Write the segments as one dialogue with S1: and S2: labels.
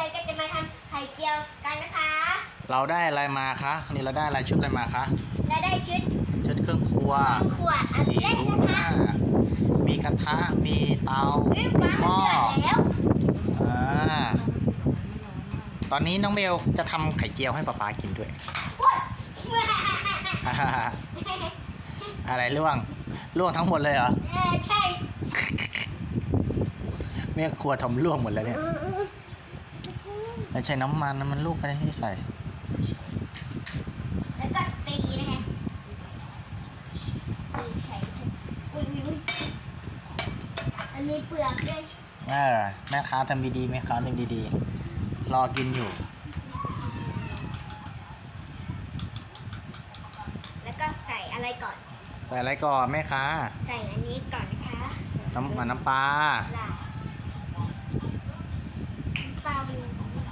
S1: ก็จะมาทำไข่เจียวกันนะคะ
S2: เราได้อะไรมาคะนี่เราได้อะไรชุดอะไรมาคะ
S1: และได้ชุด
S2: ชุดเครื่องครัว
S1: ขวดอันเล็กนะคะ
S2: มีกระทะมีเตา
S1: วิปฟ้า
S2: หม้อ
S1: เดือดแล้ว
S2: อ่าตอนนี้น้องเบลจะทำไข่เจียวให้ป๊าป๊ากินด้วย
S1: ว้าว
S2: อะไรล่วงทั้งหมดเลยเหรอ
S1: ใช่
S2: แม่ครัวทำล่วงหมดแล้วเนี่ยไม่ใช่น้ำมันลูกอะไรที่ใส่
S1: แล้วก็ตีนะคะตีไข่อุ้ยอันนี้เปลือกด้วย
S2: แม่ค้าทำดีๆแม่ค้าทำดีๆรอกินอยู่
S1: แล้วก็ใส่อะไรก่อน
S2: ใส่อะไรก่อนแม่ค้า
S1: ใส่อันนี้ก่อนนะคะ
S2: น้ำปลา
S1: ล่ะเปล่ามัน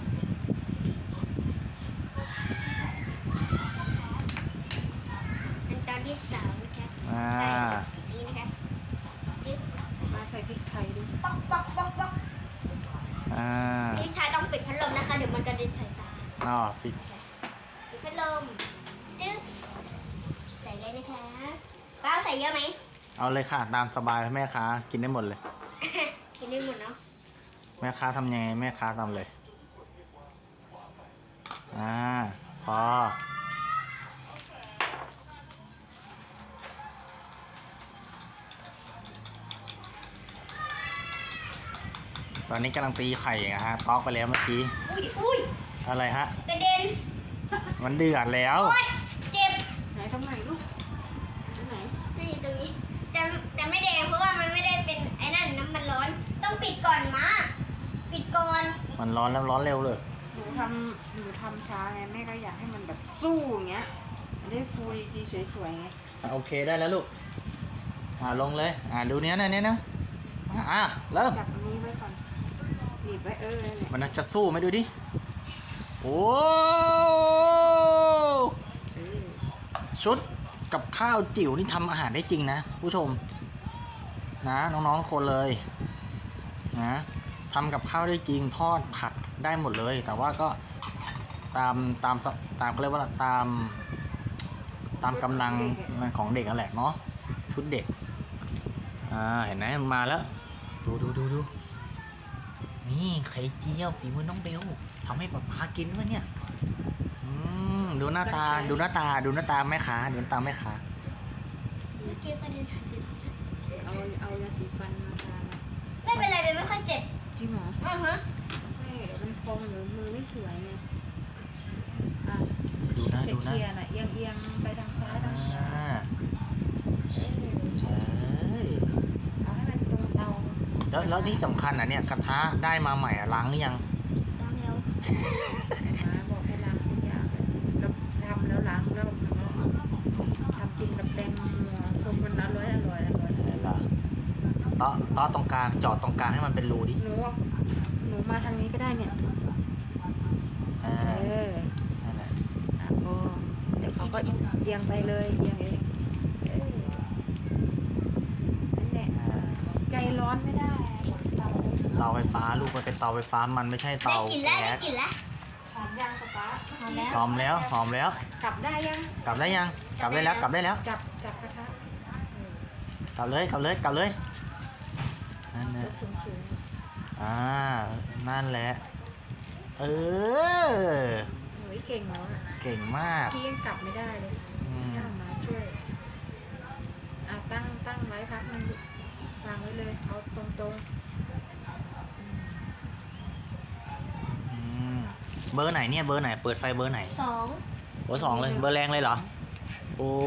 S1: ขั้นตอนที่สองนะคะ
S2: อ่า
S1: ใส่แบบนี้นะคะจึ๊บ
S3: มาใส่พริกไทยด้วย
S1: ป๊อกป๊อกป๊อกป๊อก
S2: อ่า
S1: พี่ชายต้องปิดพัดลมนะคะ เดี๋ยวมันกระเด็นใส่ตา
S2: อ๋อปิด
S1: ปิดพัดลมจึ๊บใส่เลยนะคะป้าใส่เยอะไหม
S2: เอาเลยค่ะตามสบายแม่ค้ากินได้หมดเลย
S1: กินได้หมดเนาะ
S2: แม่ค้าทำยังไงแม่ค้าทำเลย พอตอนนี้กำลังตีไข่นะฮะตอกไปแล้วเมื่อกี้
S1: อุ้ย
S2: อะไรฮะ
S1: กระเด็น
S2: มันเดือดแล้ว
S1: โอ๊ยเจ็บ
S3: ไหนทำไมลูกตรงไหน
S1: นี่ตรงนี้แต่ไม่แดงเพราะว่ามันไม่ได้เป็นไอ้นั่นน้ำมันร้อน ต้องปิดก่อนมาปิดก่อน
S2: มันร้อนแล้วร้อนเร็วเลย
S3: หนูทำช้าไงแม่ก็อยากให้มันแบบสู้อย่างเงี้ยมันได้ฟูดีๆสวยๆไง
S2: โอเคได้แล้วลูกลงเลยดูเนี้ยนะเริ่ม
S3: จับอันนี้ไว้ก่อนหนีบไว้นั่นแหละ
S2: มันจะสู้ไหมดูดิโอ้
S3: เออ
S2: ชุดกับข้าวจิ๋วนี่ทำอาหารได้จริงนะผู้ชมนะน้องๆคนเลยนะทำกับข้าวได้จริงทอดผัดได้หมดเลย แต่ว่าก็ตามเขาเรียกว่าตามกำลังของเด็กนั่นแหละเนาะชุดเด็กเห็นไหมมันมาแล้วดูนี่ไข่เจียวฝีมือน้องเบลทำให้ป๊าป๊ากินวะเนี่ยดูหน้าตาแม่ค้าดูหน้าตาแม่ค้า
S1: เมื่อกี้กระเด็นใส่
S3: เอายาสีฟันมาทา
S1: ไม่เป็นไรเป็นไม่ค่อยเจ็บ
S3: จริงเหรอ
S1: ฮะ
S3: แม่มันพองหรือมือไม่สวยไงอ่ะ
S2: ดูนะ
S3: เคลียร์ๆน่ะเอียงไปทางซ้ายทางขวา
S2: ใช่
S3: เอาให้มันตรงเตา
S2: แล้วที่สำคัญเนี่ยกระทะได้มาใหม่ล้างหรือยัง
S1: ตามแล้ว
S3: มาบอกให้ล้างทุกอย่างเลยแล้วทำแล้วล้างแล้วทำกินกับแตงโมชมกันอร่อย
S2: อะไรล่ะต่อตรงกลางจอดตรงกลางให้มันเป็นรูดิ
S3: หนูมาทางนี้ก็ได้เนี่ย
S2: นั่นแหละ
S3: พอเดี๋ยวเขาก็เอียงไปเลยเอียงเองนั่นแหละใจร้อนไม่ได้
S2: เตาไฟฟ้าลูกมันเป็นเตาไฟฟ้ามันไม่ใช่
S1: ได้
S2: เตาก
S1: ลิ่นแล้วได้
S2: แก๊ส
S1: กลิ่นแล้ว
S3: หอมยังป๊าหอมแล้ว
S2: หอมแล้ว
S3: กลับได้ยัง
S2: กลับได้ยังกลับได้แล้ว
S3: จับกระทะ
S2: กลับเลยนั่นแหละ
S3: สูง
S2: นั่นแหละ
S3: หนูเก่งแล้วอ่ะ
S2: เก่งมาก
S3: พี่ยังกลับไม่ได้เลยย่ามาช่วยตั้งไว้พักมันวางไว้เลยเอาตรง
S2: เบอร์ไหนเนี่ยเบอร์ไหนเปิดไฟเบอร์ไหน
S1: สอง
S2: เบอร์ 2เลยเบอร์แรงเลยเหรอโอ้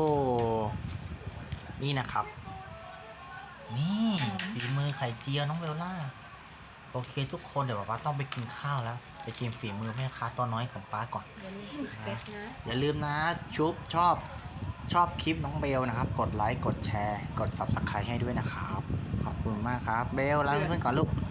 S2: นี่นะครับ นี่ฝีมือไข่เจียวน้องเบลล่าโอเคทุกคนเดี๋ยวป๊าต้องไปกินข้าวแล้วไปชิมฝีมือแม่ค้าตัวน้อยของป๊าก่อน
S3: อย่าลืมปิดเฟซนะ
S2: อย่าลืมนะชอบคลิปน้องเบลนะครับกดไลค์กดแชร์กด Subscribe ให้ด้วยนะครับขอบคุณมากครับเบลลาเพื่อนๆก่อนลูก